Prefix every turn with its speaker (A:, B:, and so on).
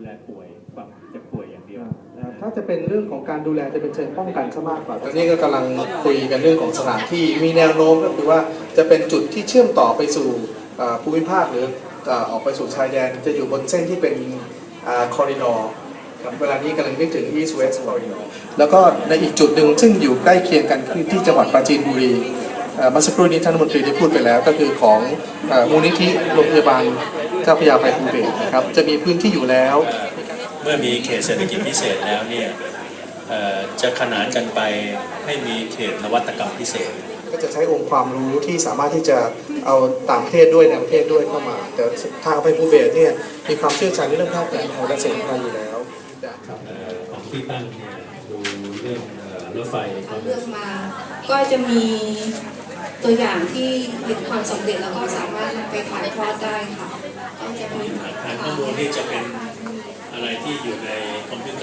A: แลป่วยความเจ็บป่วยอย่างเดียว
B: ถ้าจะเป็นเรื่องของการดูแลจะเป็นเชิงป้องกันซะมากกว่าตอนนี้ก็กำลังคุยกันเรื่องของสถานที่มีแนวโน้มก็คือว่าจะเป็นจุดที่เชื่อมต่อไปสู่ภูมิภาคหรือออกไปสู่ชายแดนจะอยู่บนเส้นที่เป็นคอริดอร์เวลานี้กำลังนึกถึง East West Corridor แล้วก็ในอีกจุดหนึ่งซึ่งอยู่ใกล้เคียงกันคือที่จังหวัดปราจีนบุรีเมื่อสักครู่นี้ท่านรัฐมนตรีได้พูดไปแล้วก็คือของมูลนิธิโรงพยาบาลเจ้าพระยาภัยภูเบศรนะครับจะมีพื้นที่อยู่แล้ว
C: เมื่อมีเขตเศรษฐกิจพิเศษแล้วเนี่ยจะขนานกันไปให้มีเขตนวัตกรรมพิเศษ
B: ก็จะใช้องค์ความรู้ที่สามารถที่จะเอาต่างประเทศด้วยในประเทศด้วยเข้ามาแต่ทางภัยภูเบศรเนี่ยมีความเชี่ยวชาญในเรื่องแพทย์แผนไทยและสมุนไพรอยู่แล้ว
C: ของที่ตั้งเนี่ยดูเรื่องรถไฟ
D: เลือกมาก็จะมีตัวอย่างที่เห็นความสำเร็จแล้วก็สามารถนำไปถ่ายทอดได้ค่ะก็จะมี
C: ฐานข้อมูลที่จะเป็นอะไรที่อยู่ในคอมพิวเตอร์